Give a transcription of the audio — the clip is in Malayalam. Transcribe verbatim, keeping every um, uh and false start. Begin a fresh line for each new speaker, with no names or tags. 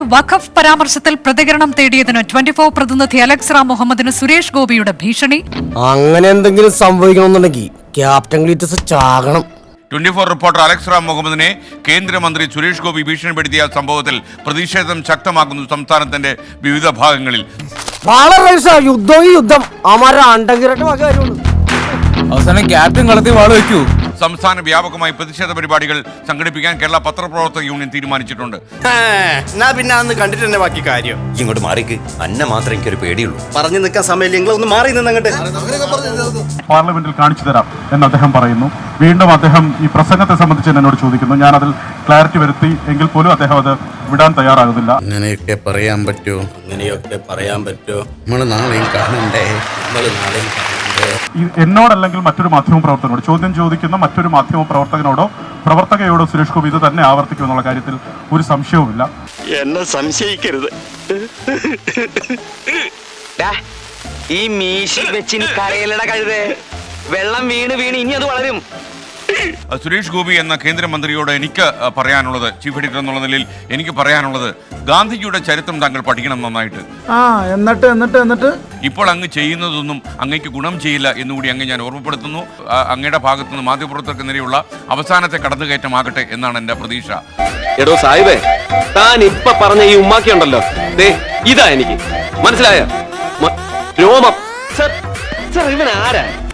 വഖഫ് പരാമർശത്തിൽ പ്രതികരണം തേടിയതിന് ട്വന്റി ഫോർ പ്രതിനിധി അലക്സ് റാം മുഹമ്മദിന് സുരേഷ് ഗോപിയുടെ ഭീഷണി.
അങ്ങനെ എന്തെങ്കിലും സംഭവിക്കണമെന്നുണ്ടെങ്കിൽ ക്യാപ്റ്റൻ ഗ്ലീറ്റസ് ചാകണം.
Twenty four reporter Alex Ram മുഹമ്മദിനെ കേന്ദ്രമന്ത്രി സുരേഷ് ഗോപി ഭീഷണിപ്പെടുത്തിയ സംഭവത്തിൽ പ്രതിഷേധം ശക്തമാക്കുന്നു സംസ്ഥാനത്തിന്റെ വിവിധ ഭാഗങ്ങളിൽ.
യുദ്ധം യുദ്ധം
അവസാനം ക്യാപ്റ്റൻ കളത്തിൽ വാള് വെക്കൂ.
സംസ്ഥാന വ്യാപകമായി പ്രതിഷേധ പരിപാടികൾ സംഘടിപ്പിക്കാൻ കേരള പത്രപ്രവർത്തക യൂണിയൻ തീരുമാനിച്ചിട്ടുണ്ട്.
പിന്നെ അന്ന് കണ്ടിട്ട് തന്നെ ബാക്കി കാര്യം.
ഇങ്ങോട്ട് മാറിക്ക്, അന്ന മാത്രം എനിക്കൊരു പേടിയുള്ളൂ.
പറഞ്ഞു നിൽക്കാൻ സമയമില്ല, നിങ്ങൾ ഒന്ന് മാറി നിന്നങ്ങട്ട്.
പാർലമെന്റിൽ കാണിച്ചു തരാം എന്ന് അദ്ദേഹം പറയുന്നു. വീണ്ടും അദ്ദേഹം ഈ പ്രസംഗത്തെ സംബന്ധിച്ച് എന്നോട് ചോദിക്കുന്നു. ഞാൻ അതിൽ ക്ലാരിറ്റി വരുത്തി എങ്കിൽ പോലും അദ്ദേഹം അത് വിടാൻ തയ്യാറാകുന്നില്ല.
അങ്ങനെയൊക്കെ പറയാൻ പറ്റുമോ?
അങ്ങനെയൊക്കെ പറയാൻ പറ്റുമോ?
നമ്മൾ നാളെയും കാണണ്ടേ?
നമ്മൾ നാളെയും കാണണ്ടേ?
എന്നോടല്ലെങ്കിൽ മറ്റൊരു മാധ്യമ പ്രവർത്തകനോട് ചോദ്യം ചോദിക്കുന്ന മറ്റൊരു മാധ്യമ പ്രവർത്തകനോടോ പ്രവർത്തകയോടോ സുരേഷ് ഗോപി ഇത് തന്നെ ആവർത്തിക്കുമെന്നുള്ള കാര്യത്തിൽ ഒരു സംശയവുമില്ല.
എന്നെ സംശയിക്കരുത്.
ഈ മീശി വെച്ചിന് കരയിലട കഴുതേ, വെള്ളം വീണ് വീണ് ഇനി അത് വളരും.
സുരേഷ് ഗോപി എന്ന കേന്ദ്രമന്ത്രിയോട് എനിക്ക് പറയാനുള്ളത്, ചീഫ് എഡിറ്റർ എന്നുള്ള നിലയിൽ എനിക്ക് പറയാനുള്ളത്, ഗാന്ധിജിയുടെ ചരിത്രം താങ്കൾ പഠിക്കണം നന്നായിട്ട്.
ആ എന്നിട്ട് എന്നിട്ട് എന്നിട്ട്
ഇപ്പോൾ അങ്ങ് ചെയ്യുന്നതൊന്നും അങ്ങേക്ക് ഗുണം ചെയ്യില്ല എന്നുകൂടി അങ്ങ് ഞാൻ ഓർമ്മപ്പെടുത്തുന്നു. അങ്ങയുടെ ഭാഗത്തു നിന്ന് മാധ്യമപ്രവർത്തകർക്ക് നേരെയുള്ള അവസാനത്തെ കടന്നുകയറ്റമാകട്ടെ എന്നാണ് എന്റെ പ്രതീക്ഷ.
എടോ സാഹിബേ, താൻ ഇപ്പൊ പറഞ്ഞ ഈ ഉമ്മാക്കി ഉണ്ടല്ലോ, ഇതാ എനിക്ക് മനസ്സിലായ രോമം. സർ, ഇവൻ ആരാ?